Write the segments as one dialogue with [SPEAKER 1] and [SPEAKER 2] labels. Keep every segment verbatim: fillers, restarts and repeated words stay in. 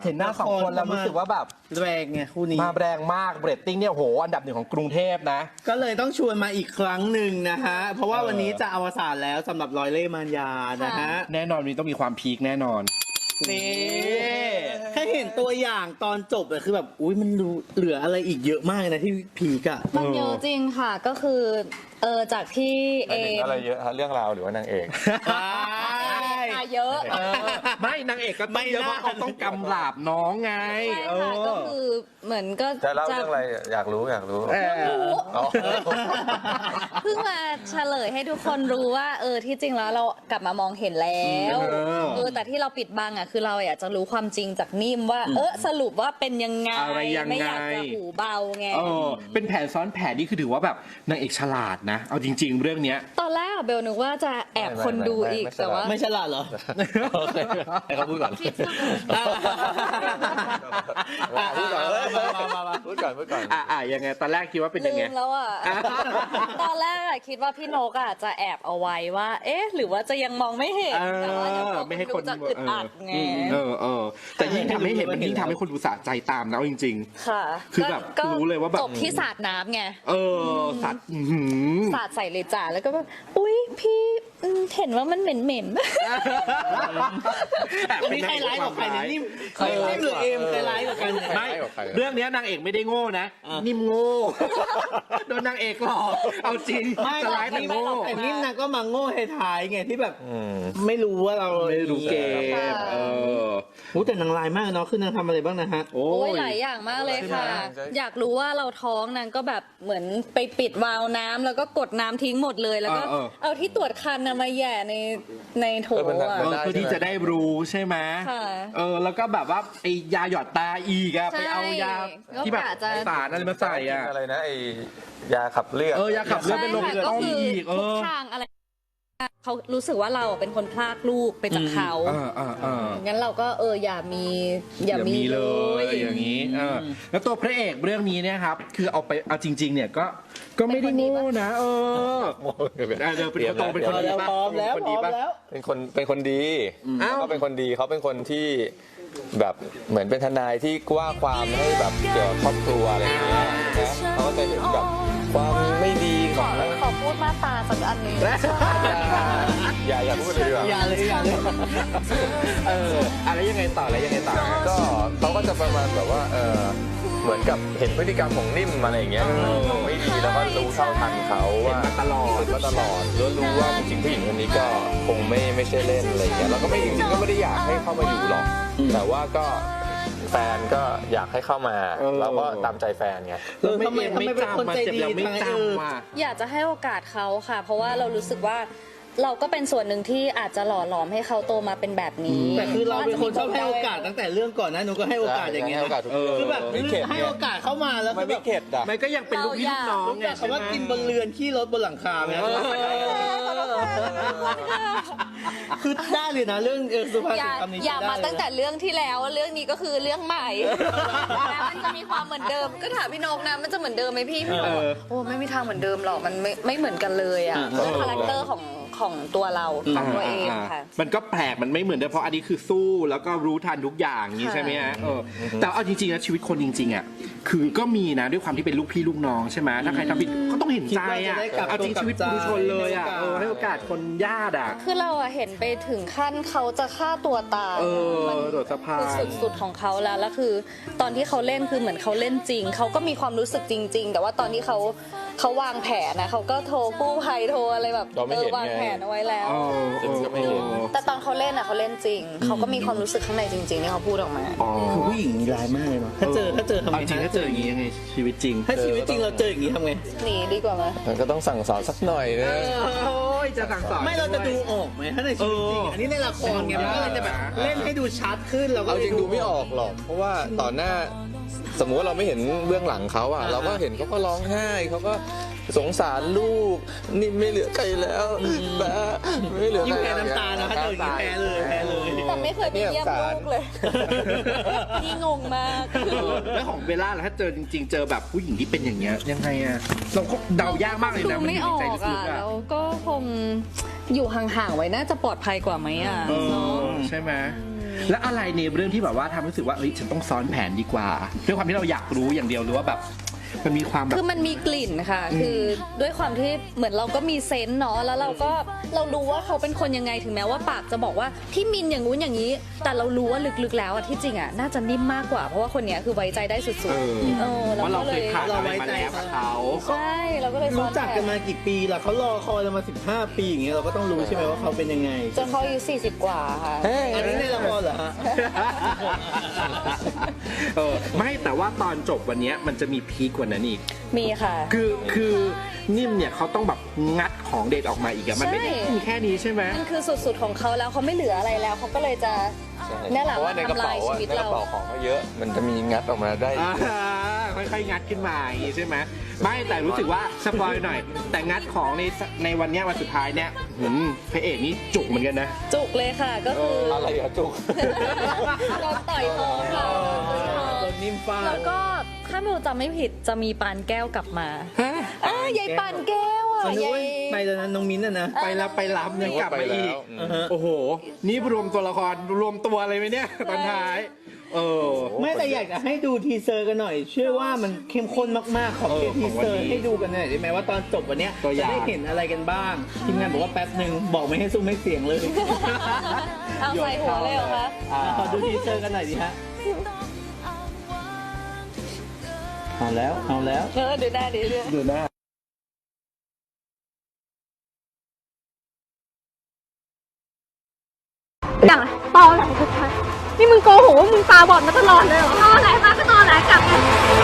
[SPEAKER 1] เห็นหน้าสองคนแล้วรู้สึกว่าแบบ
[SPEAKER 2] แรงไงคู่นี้
[SPEAKER 1] มาแรงมากเรตติ้งเนี่ยโหอันดับหนึ่งของกรุงเทพนะ
[SPEAKER 2] ก็เลยต้องชวนมาอีกครั้งหนึ่งนะฮะเพราะว่าวันนี้จะอวสานแล้วสำหรับร้อยเล่ห์มารยานะฮะ
[SPEAKER 1] แน่นอนวันนี้ต้องมีความพีคแน่นอน
[SPEAKER 2] นี่แค่เห็นตัวอย่างตอนจบอะคือแบบอุ้ยมันเหลืออะไรอีกเยอะมากนะที่พีกอะ
[SPEAKER 3] มันเยอะจริงค่ะก็คือเออจากที่เอ
[SPEAKER 4] อะไรเยอะฮะเรื่องราวหรือว่านางเอก
[SPEAKER 3] เยอะ
[SPEAKER 1] ไม่นางเอกก็ไม่เยอะเพราะเขาต้องกำราบน้องไง
[SPEAKER 3] ใช่ค่ะก็คือเหมือนก็
[SPEAKER 4] จะเล่าเรื่องอะไรอยากรู้อยากรู้
[SPEAKER 3] เพิ่งมาเฉลยให้ทุกคนรู้ว่าเออที่จริงแล้วเรากลับมามองเห็นแล้วเออแต่ที่เราปิดบังอ่ะคือเราอยากจะรู้ความจริงจากนิ่มว่าเออสรุปว่าเป็นยังไงไม่อยากจะหูเบาไง
[SPEAKER 1] เออเป็นแผนซ้อนแผนนี่คือถือว่าแบบนางเอกฉลาดนะเอาจริงๆเรื่องเนี้ย
[SPEAKER 3] ตอนแรกเบลนึกว่าจะแอบคนดูอีกแต่ว่า
[SPEAKER 2] ไม่ฉลาดเหรอ
[SPEAKER 4] ให้เขาพูดก่อนพูดก่อนพูดก่อนพูดก่อน
[SPEAKER 1] อ่ายังไงตอนแรกคิดว่าเป็นยังไง
[SPEAKER 3] ลืมแล้วอ่ะตอนแรกคิดว่าพี่นกอ่ะจะแอบเอาไว้ว่าเอ๊ะหรือว่าจะยังมองไม่เห็นแต่ว่าเดี๋ยวไม่ให้คนจะอึดอัดไง
[SPEAKER 1] เออเออแต่ยิ่งทำให้เห็นมันยิ่งทำให้คนดูสะใจตามนะจริง
[SPEAKER 3] ๆค่ะ
[SPEAKER 1] คือแบบรู้เลยว่าแบบ
[SPEAKER 3] จบที่สาดน้ำไง
[SPEAKER 1] เออสาด
[SPEAKER 3] สาดใส่เลยจ่าแล้วก็แบบอุ้ยพี่เห็นว่ามันเหม็นเหม็น
[SPEAKER 2] มีใครร้ายกว่าใครเนี่ยนิ่มใครร้ายหรือเอ็มใครร้ายกว่ากัน
[SPEAKER 1] ไม่เรื่องนี้นางเอกไม่ได้โง่นะนิ่มโง่โดนนางเอกหลอกเอาจริงจะร้ายแต่โง่
[SPEAKER 2] แต่นิ่มนางก็มาโง่ท้ายไงที่แบบไม่รู้ว่าเรา
[SPEAKER 1] ไม่รู้เกมเออ
[SPEAKER 2] โอ้แต่นางลายมากเนาะคือนางทำอะไรบ้างนะฮะ
[SPEAKER 3] โอ้ยหลายอย่างมากเลยค่ะอยากรู้ว่าเราท้องนางก็แบบเหมือนไปปิดวาล์วน้ำแล้วก็กดน้ำทิ้งหมดเลยแล้วก็เอาที่ตรวจคันมาแย่ในในโถอ่ะ
[SPEAKER 1] เพื่อที่จะได้รู้ใช่ไหมเออแล้วก็แบบว่าไอยาหยอดตาอีกอะไปเอายาที่แบบสารอะไรมาใส่อะ
[SPEAKER 4] อะไรนะไอยาขับเลือด
[SPEAKER 1] เออยาขับเลือดเป็นลมต้อมอีกเออ
[SPEAKER 3] ทางอะไรเขารู้สึกว่าเราเป็นคนพลากลูกไปจากเขางั้นเราก็เอออย่ามี
[SPEAKER 1] อย่ามีเลยอย่างนี้เออแล้วตัวพระเอกเรื่องนี้เนี่ยครับคือเอาไปเอาจริงๆเนี่ยก็ก็ไม่ได้โง่นะเออเดี๋ยวเป็นคนตรงเป็นคนดี
[SPEAKER 2] พร้อมแล้วพร้อมแล้ว
[SPEAKER 4] เป็นคนเป็นคนดีเขาเป็นคนดีเขาเป็นคนที่แบบเหมือนเป็นทนายที่กว้าความให้แบบเกี่ยวกับครอบครัวอะไรอย่างเงี้ยนะเขาก็จะเห็นแบบความไม่ดีของ
[SPEAKER 3] ขอพูดมาตาสักอันนี้
[SPEAKER 4] อย่าอย่าพูดเลย
[SPEAKER 2] อย่าเลยอย่าเลย
[SPEAKER 1] เอออะไรยังไงต่ออะไรยังไงต่อ
[SPEAKER 4] ก็เขาก็จะประมาณแบบว่าเออเหมือนกับเห็นพฤติกรรมของนิ่มอะไรอย่างเงี้ยไม่ดีแล้วก็รู้เท่าทันเขาว่า
[SPEAKER 1] ตลอด
[SPEAKER 4] ก็ตลอดรู้รู้ว่าจริงๆผู้หญิงคนนี้ก็คงไม่ไม่ใช่เล่นอะไรอย่างเงี้ยแล้วก็ไม่จริงๆก็ไม่ได้อยากให้เข้ามาอยู่หรอกแต่ว่าก็แฟนก็อยากให้เข้ามาเราก็ตามใจแฟนไง
[SPEAKER 2] ทำไมทำไมเป็นคนใจดี
[SPEAKER 1] ไม่จำว่า
[SPEAKER 3] อยากจะให้โอกาสเขาค่ะเพราะว่าเรารู้สึกว่าเราก็เป็นส่วนหนึ่งที่อาจจะหล่อหลอมให้เขาโตมาเป็นแบบนี้
[SPEAKER 2] แต่คือเราเป็นคนชอบให้โอกาสตั้งแต่เรื่องก่อนนะหนูก็ให้โอกาสอย่างเงี้ยคือแบบให้โอกาสเข้ามาแล้ว
[SPEAKER 4] ไม่เข็ดอ่ะ
[SPEAKER 1] มันก็ยังเป็นลูกพี่ลูกน้องไง
[SPEAKER 2] คำว่ากินบนเรือนขี้รถบนหลังคาไหมคือได้เลยนะเรื่องสุภาษิตคำนี้
[SPEAKER 3] อย่ามาตั้งแต่เรื่องที่แล้วเรื่องนี้ก็คือเรื่องใหม่มันจะมีความเหมือนเดิมก็ถามพี่นกนะมันจะเหมือนเดิมไหมพี่พี่นกโอ้ไม่มีทางเหมือนเดิมหรอกมันไม่ไม่เหมือนกันเลยอ่ะคาแรคเตอร์ของของตัวเราของตัวเองค่ะ
[SPEAKER 1] มันก็แปลกมันไม่เหมือนเดิมเพราะอันนี้คือสู้แล้วก็รู้ทันทุกอย่างนี้ใช่ไหมฮะแต่เอาจริงๆนะชีวิตคนจริงๆอ่ะคือก็มีนะด้วยความที่เป็นลูกพี่ลูกน้องใช่ไหมถ้าใครทำผิดก็ต้องเห็นใจอ่ะเอาจริงชีวิตผู้ชนเลยอ่ะให้โอกาสคนญาติอ่ะ
[SPEAKER 3] คือเราเห็นไปถึงขั้นเขาจะฆ่าตัวตาย
[SPEAKER 1] มันโดดสะพาน
[SPEAKER 3] คือสุดๆของเขาแล้วแล้วคือตอนที่เขาเล่นคือเหมือนเขาเล่นจริงเขาก็มีความรู้สึกจริงๆแต่ว่าตอนที่เขาเขาวางแผนนะเขาก็โทรกู้ภัยโทรอะไรแบบเออวางแผนเอาไว้แล้วแต่ตอนเขาเล่นอ่ะเขาเล่นจริงเขาก็มีความรู้สึกข้างในจริงๆที่เขาพูดออกมา
[SPEAKER 2] คือผู้หญิงมีลายมากเลยเนาะถ้าเจอถ้าเจอทำไง
[SPEAKER 1] จริงถ้าเจออย่างนี้ยังไงชีวิตจริง
[SPEAKER 2] ถ้าชีวิตจริงเราเจออย่างนี้ทำไง
[SPEAKER 3] หนีดีกว่าไหม
[SPEAKER 4] มันก็ต้องสั่งสอนสักหน่อยนะ
[SPEAKER 1] โอ้ยจะสั่งสอน
[SPEAKER 2] ไม่เราจะดูออกไหมถ้าในชีวิตจริงอันนี้ในละครไงมันก็เลยจะแบบเล่นให้ดูชัดขึ้นเราก็
[SPEAKER 4] จริงดูไม่ออกหรอกเพราะว่าต่อหน้าสมมุติว่าเราไม่เห็นเบื้องหลังเขาอ่ะเราก็เห็นเขาก็ร้องไห้เขาก็สงสารลูกนี่ไม่เหลือใครแล้วแบบไม่เหลือ
[SPEAKER 2] ยิ่งแพ้น้ำตานะถ้าเจออย่างนี้แพ้เลยแพ้เลย
[SPEAKER 3] แต่ไม่เคยไปเยี่ยมลูกเลยนี่งงมาก
[SPEAKER 1] แล้วของเบลล่าล่ะถ้าเจอจริงๆเจอแบบผู้หญิงที่เป็นอย่างเงี้ยยังไงอ่ะเราก็เดายากมากเลยนะ
[SPEAKER 3] มันไม่ออกอ่ะแล้วก็คงอยู่ห่างๆไว้น่าจะปลอดภัยกว่าไหมอ่ะ
[SPEAKER 1] ใช่ไหมแล้วอะไรในเรื่องที่แบบว่าทำให้รู้สึกว่าเอ้ยฉันต้องซ้อนแผนดีกว่าด้วยความที่เราอยากรู้อย่างเดียวหรือว่าแบบมันมีความแบบ
[SPEAKER 3] คือมันมีกลิ่นค่ะ คือด้วยความที่เหมือนเราก็มีเซนส์เนาะ แล้วเราก็เรารู้ว่าเขาเป็นคนยังไงถึงแม้ว่าปากจะบอกว่าพี่มินอย่างงู้นอย่างนี้ แต่เรารู้ว่าลึกๆแล้วอะที่จริงอะน่าจะนิ่มมากกว่า เพราะว่าคนเนี้ยคือไว้ใจได้สุด
[SPEAKER 1] เออ
[SPEAKER 3] ๆเออ
[SPEAKER 1] เพราะเรา
[SPEAKER 3] ก็
[SPEAKER 1] เคยผ่านอะไรมาแล้วกับเขา
[SPEAKER 3] ใช่ เราก็เลยซ้อ
[SPEAKER 2] รู้
[SPEAKER 3] น
[SPEAKER 2] จัก
[SPEAKER 3] แผ
[SPEAKER 2] กัน
[SPEAKER 3] น
[SPEAKER 2] มากี่ปีล่ะเขารอคอยเรามาสิบห้าปีอย่างเงี้ยเราก็ต้องรู้ใช่ไหมว่าเขาเป็นยังไง
[SPEAKER 3] จนเขาอายุสี่สิบกว่าค่ะ
[SPEAKER 2] อันนี้ในละครเหรอฮะ
[SPEAKER 1] เออไม่แต่ว่าตอนจบวันเนี้ยมันจะมีพีคกว่านั้นอีก
[SPEAKER 3] มีค่ะ
[SPEAKER 1] คือคือนิ่มเนี่ยเขาต้องแบบงัดของเด็ดออกมาอีกอะมันไม่ได้
[SPEAKER 3] ใช่
[SPEAKER 1] มีแค่นี้ใช่ไหม
[SPEAKER 3] มันคือสุดๆของเขาแล้วเขาไม่เหลืออะไรแล้วเขาก็เลยจะ
[SPEAKER 4] ใช่
[SPEAKER 3] เนี่ยแหละ
[SPEAKER 4] เพราะว่าในกระ
[SPEAKER 3] ทำลา
[SPEAKER 4] เป๋าย
[SPEAKER 3] ชี
[SPEAKER 4] อะ
[SPEAKER 3] วิต
[SPEAKER 4] ในก
[SPEAKER 3] เรา
[SPEAKER 4] ระเป๋าของเขาเยอะ มันจะมีงัดออกมาได้
[SPEAKER 1] อ่าค่อยๆงัดขึ้นมาอย่างงี้ใช่ไหมไม่แต่รู้สึกว่าสปอยหน่อย แต่งัดของในในวันเนี้ยวันสุดท้ายเนี่ยหืมพระเอกนี่จุกเหมือนกันนะ
[SPEAKER 3] จุกเลยค่ะ ก็คือ
[SPEAKER 4] อะไรอะจุก
[SPEAKER 3] โดนต่อยท้องค่ะโดนต่อยท้อง
[SPEAKER 2] โดนนิ่มฟา
[SPEAKER 3] แล้
[SPEAKER 2] ด
[SPEAKER 3] วก็ถ้าไม่จำไม่ผิดจะมีปานแก้วกลับมาอ่ายายปานแก้วอ่ะ
[SPEAKER 2] มันนึก
[SPEAKER 3] ยา
[SPEAKER 2] ว่าย ไปตอนนั้นน้องมิ้นท์อะนะ
[SPEAKER 1] ไปแล้วไปรับยังกลับมาอีก
[SPEAKER 4] ไปแล้ว
[SPEAKER 1] โอ้โห นี่รวมตัวละครรวมตัวอะไรไหมเนี่ยตอนท้าย เออ
[SPEAKER 2] ไม่แต่อยากจะให้ดูทีเซอร์กันหน่อย เชื่อว่ามันเข้มข้นมากๆ ขอ
[SPEAKER 1] เออ
[SPEAKER 2] เพียงทีเซอ
[SPEAKER 1] ของวั
[SPEAKER 2] ร์
[SPEAKER 1] นนี้
[SPEAKER 2] ให้ดูกันหน่อยได้ไหมว่าตอนจบวันเนี้ย
[SPEAKER 1] ตัวอ
[SPEAKER 2] จะ
[SPEAKER 1] ย่าง
[SPEAKER 2] ได้เห็นอะไรกันบ้างทีมงานบอกว่าแป๊บหนึ่งบอกไม่ให้ซุ้มไม่เสียงเลย
[SPEAKER 3] เอาใส่หัวเลยเหรอคะ
[SPEAKER 1] อ่า
[SPEAKER 2] ขอดูทีเซอร์กันหน่อยดิฮะเอาแล้วเอาแล้ว
[SPEAKER 3] เออดูได้ดิเรื่อง
[SPEAKER 1] ดูหน้า
[SPEAKER 5] อย่างไรตอแหลชัดๆนี่มึงโกหกว่ามึงตาบอดมาตลอดเลยเหรอตอแหลมาก็ตอแหลกลับไง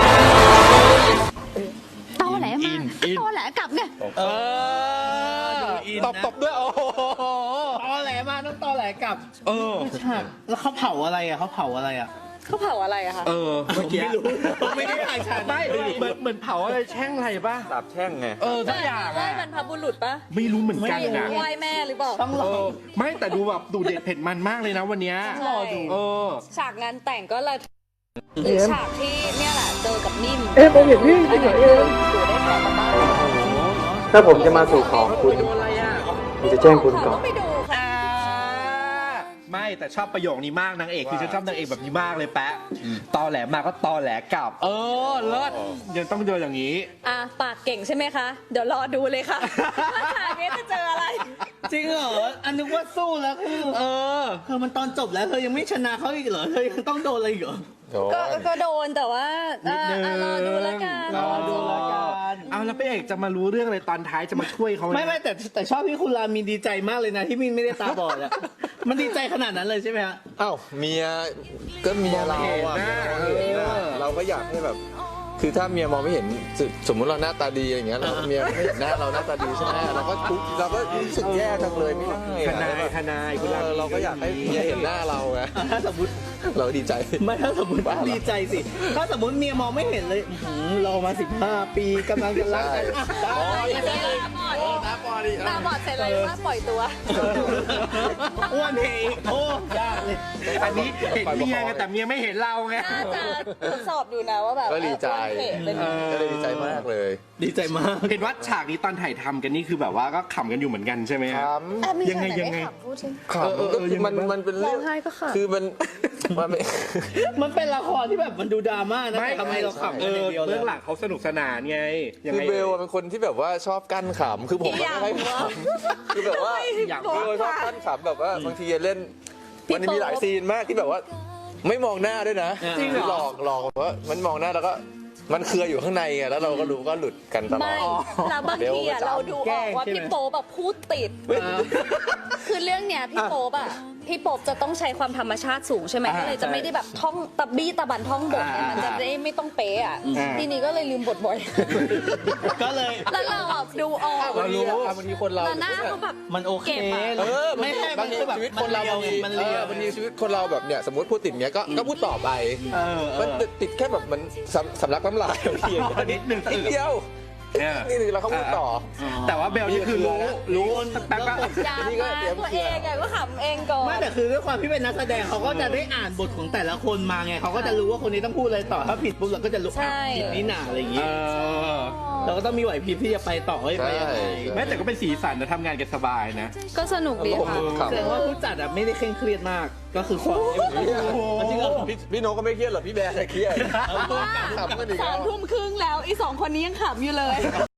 [SPEAKER 5] ตอแหลมาก็ตอแหลกลับไง
[SPEAKER 1] เออ
[SPEAKER 2] อิน
[SPEAKER 1] ตบ
[SPEAKER 2] นะ
[SPEAKER 1] ตบด้วยโอ้โห
[SPEAKER 2] ตอแหลมาต้องตอแหลกลับ
[SPEAKER 1] เออ
[SPEAKER 2] ฉากแล้วเขาเผาอะไรอ่ะเขาเผาอะไรอ่ะ
[SPEAKER 3] เขาเผาอะไรอะคะ
[SPEAKER 1] เออเมื่อกี้
[SPEAKER 2] ไม่รู้ผมไม่ได้อ่านฉากนั้น
[SPEAKER 1] ไม่เหมือนเหมือนเผาอะไรแช่งอะไรป่ะ
[SPEAKER 4] สาบแช่งไง
[SPEAKER 1] เออทุกอย่าง
[SPEAKER 3] ไหว้
[SPEAKER 1] อะ
[SPEAKER 3] บรรพบุรุษปะ
[SPEAKER 1] ไม่รู้เหมือนกันนะ
[SPEAKER 3] ไหว้แม่หรือเปล่า
[SPEAKER 2] ต้องร
[SPEAKER 1] เอ
[SPEAKER 2] อ
[SPEAKER 1] อไม่แต่ดูแบบดูเด็ดเผ็ดมันมากเลยนะวันเนี้ย
[SPEAKER 3] รอดู
[SPEAKER 1] เออ
[SPEAKER 3] ฉากงานแต่งก็เลยหรือฉากที่เนี่ยแหละเจอกับนิ่ม
[SPEAKER 5] เอ้ยผมเห็นพี่จริงเหรอเออ
[SPEAKER 3] อยู่ได้แค่กับบ้าน
[SPEAKER 6] ถ้าผมจะมาสู่ขอคุณ
[SPEAKER 1] โดนอะไรอ่ะ
[SPEAKER 6] ผมจะแจ้งคุณก่อน
[SPEAKER 3] ต้องไปดูค่ะ
[SPEAKER 1] อ่าไม่แต่ชอบประโยคนี้มากนางเอกคือฉันชอบนางเอกแบบนี้มากเลยแปะตอแหลมาก็ตอแหลกลับ เออเลิศยังต้องเจออย่างนี้
[SPEAKER 3] อ่ะปากเก่งใช่ไหมคะ เดี๋ยวรอดูเลยค่ะว่าฉากนี้จะเจออะไร
[SPEAKER 2] จริงเหรออันนึกว่าสู้แล้วคือ
[SPEAKER 1] เออ
[SPEAKER 2] เธอมันตอนจบแล้วเธอยังไม่ชนะเขาอีกเหรอเธอยังต้องโดนอะไรอีกเหรอ
[SPEAKER 4] โดน
[SPEAKER 3] ก็ก็โดนแต่ว่า
[SPEAKER 1] นิดนึง
[SPEAKER 3] อ่ะรอดูแล้วกัน
[SPEAKER 2] รอดูแล้วกัน
[SPEAKER 1] เอาแล้วพระเอกจะมารู้เรื่องอะไรตอนท้ายจะมาช่วยเขาห
[SPEAKER 2] ไม่ไม่แต่แต่ชอบที่คุณรามีดีใจมากเลยนะที่มินไม่ได้ตาบอดอะมันดีใจขนาดนั้นเลยใช่ไหมฮะ
[SPEAKER 4] อ้าวเมียก็เมียเราอะ
[SPEAKER 1] มองไม่เห็นนะ
[SPEAKER 4] เมียเราเห็นนะเราก็อยากให้แบบ คือถ้าเมียมองไม่เห็นสสมมุติเราหน้าตาดีอย่างเงี้ยเราเมียไม่เห็นหน้าเราหน้าตาดีใช่ไหมเราก็ทุกข์เราก็รู้สึกแย่จังเลยไม่ได้
[SPEAKER 1] ท
[SPEAKER 4] อะ
[SPEAKER 1] นายทนายคุณ
[SPEAKER 4] เอ
[SPEAKER 1] รา
[SPEAKER 4] อเราก็อยากให้เมียเห็นหน้าเราไง
[SPEAKER 2] ถ้าสมมติ
[SPEAKER 4] เราดีใจ
[SPEAKER 2] ไม่ถ้าสมมติ
[SPEAKER 4] บ้าเหรอ
[SPEAKER 2] ดีใจสิ ถ้าสมมติเมียมองไม่เห็นเลยอื้อหือรอมาสิบห้าปีกำลังจะรักกันอ่ะได้
[SPEAKER 3] ตาบอดตาบอดเสร็จเลยว่าปล่อยตัว
[SPEAKER 2] อ้วนเพลงโอ้ยากเลย
[SPEAKER 1] อันนี้เห็นเมียไงแต่เมียไม่เห็นเราไง
[SPEAKER 3] น่าจะทดสอบอยู่นะว่าแบบ
[SPEAKER 4] ก็ดีใจ
[SPEAKER 3] เออเป็น
[SPEAKER 4] ก็เลยดีใจมากเลย
[SPEAKER 2] ดีใจมาก
[SPEAKER 1] เห็นว่าฉากนี้ตอนถ่ายทำกันนี่คือแบบว่าก็ขำกันอยู่เหมือนกันใช่ไหม
[SPEAKER 4] ค
[SPEAKER 1] ฮะ
[SPEAKER 4] รับ
[SPEAKER 3] อ่ะมี
[SPEAKER 1] ยังไง
[SPEAKER 3] ฉากหน
[SPEAKER 1] ยังไง
[SPEAKER 3] ม่ขำพูดสิ
[SPEAKER 4] ขำ
[SPEAKER 1] เออเออ
[SPEAKER 4] ก็คือมัน
[SPEAKER 1] ยังไงบ้าง
[SPEAKER 4] มันเป็นเรื่อง
[SPEAKER 3] ร้องไห้ก็ขำ
[SPEAKER 4] คือมันมันเป็น
[SPEAKER 2] มันเป็นละครที่แบบมันดูดราม่านะแต่ทำไมเราขำ
[SPEAKER 1] เอ
[SPEAKER 2] กันอ
[SPEAKER 1] อย่าง
[SPEAKER 2] เดียวเล
[SPEAKER 1] เบื้
[SPEAKER 2] ย
[SPEAKER 1] องหลังเขาสนุกสนานไงยัง
[SPEAKER 4] คือ
[SPEAKER 1] ไง
[SPEAKER 4] เบลอะเป็นคนที่แบบว่าชอบกั้นขำคือผม
[SPEAKER 3] อีกอย่าง
[SPEAKER 4] ไม่ค่อยขำคือแบบว่า
[SPEAKER 1] อยาก
[SPEAKER 4] เออชอบกั้นขำแบบว่าบางทีเล่น
[SPEAKER 3] พี่
[SPEAKER 4] มันมีหลายซีนมากที่แบบว่า ไม่มองหน้าด้วยนะ
[SPEAKER 2] จริงเหรอ
[SPEAKER 4] หลอกหลอกแบบว่ามันมองหน้าแล้วก็มันเครืออยู่ข้างในไงแล้วเราก็รู้ก็หลุดกันตลอ
[SPEAKER 3] ไม่
[SPEAKER 4] ด
[SPEAKER 3] แล้วบางทีอะเราดูออกว่าพี่โป๊ปแบบพูดติด คือเรื่องเนี้ยพี่โป๊ปอะพี่โป๊ปจะต้องใช้ความธรรมชาติสูงใช่ไหม
[SPEAKER 1] อ่า
[SPEAKER 3] ก็เลยจะไม่ได้แบบท่องตะบี้ตะบันท่องบทไง
[SPEAKER 1] อ่ามั
[SPEAKER 3] มันจะได้ไม่ต้องเป๊ะอะ
[SPEAKER 1] อ่า
[SPEAKER 3] ทีนี้ก็เลยลืมบทบ่อย
[SPEAKER 2] ก็เลย
[SPEAKER 3] แล้วเราอะดูออก
[SPEAKER 4] บางทีอะบางทีคนเรา
[SPEAKER 3] แล้วหน้าเขาแบบ
[SPEAKER 2] มันโอเค
[SPEAKER 3] เก็บอะ
[SPEAKER 4] เออ
[SPEAKER 2] ไม่ใช่
[SPEAKER 4] บางที
[SPEAKER 2] มันคือแบบ
[SPEAKER 4] ชีวิตคนเรา
[SPEAKER 2] มัน
[SPEAKER 4] บาง
[SPEAKER 2] เลี
[SPEAKER 4] ที
[SPEAKER 2] ยว
[SPEAKER 4] เออบางทีชีวิตคนเราแบบเนี่ยสมมติพูดติดเนี้ยก็ก็พูดต่อไป
[SPEAKER 2] เออเอ
[SPEAKER 4] มัน
[SPEAKER 2] อ
[SPEAKER 4] ติดแค่แบบมันสำสำลักน้ำลายบางทีอย่างเงี้ย
[SPEAKER 1] นิดหนึ่ง
[SPEAKER 4] นิดเดียว
[SPEAKER 1] เนี่ย
[SPEAKER 4] นี่เราเขาพูดต่อ
[SPEAKER 1] แต่ว่าเบลนี่คือรู้รู้แป๊บก็
[SPEAKER 3] ยามมาตัวเองอะก็ขำเองก่อน
[SPEAKER 2] ไม่แต่คือด้วยความที่เป็นนักแสดงเขาก็จะได้อ่านบทของแต่ละคนมาไงเขาก็จะรู้ว่าคนนี้ต้องพูดอะไรต่อถ้าผิดปุ๊บเราก็จะรู้
[SPEAKER 3] ใช่
[SPEAKER 2] อ่ะผิดนี่หนาอะไรอย่าง
[SPEAKER 1] เอ
[SPEAKER 2] งี้
[SPEAKER 1] อ
[SPEAKER 2] เราก็ต้องมีไหวพริบที่จะไปต่อให้ไปยังไง
[SPEAKER 4] ใช่
[SPEAKER 1] แม้แต่ก็เป็นสีสันนะทำงานกันสบายนะ
[SPEAKER 3] ก็สนุกดีค่ะ
[SPEAKER 4] ครับ
[SPEAKER 2] แสดงว่าผู้จัดอะไม่ได้เคร่งเครียดมากก็คือความจริงเหรอ
[SPEAKER 4] พี่พี่โนก็ไม่เครียดหรอกพี่แบร์เครียดขำกันอีก
[SPEAKER 3] สา
[SPEAKER 4] แล้
[SPEAKER 3] ม
[SPEAKER 4] ว
[SPEAKER 3] ทุ่มครึ่งแล้วไอ้สองคนนี้ยังขำอยู่เลย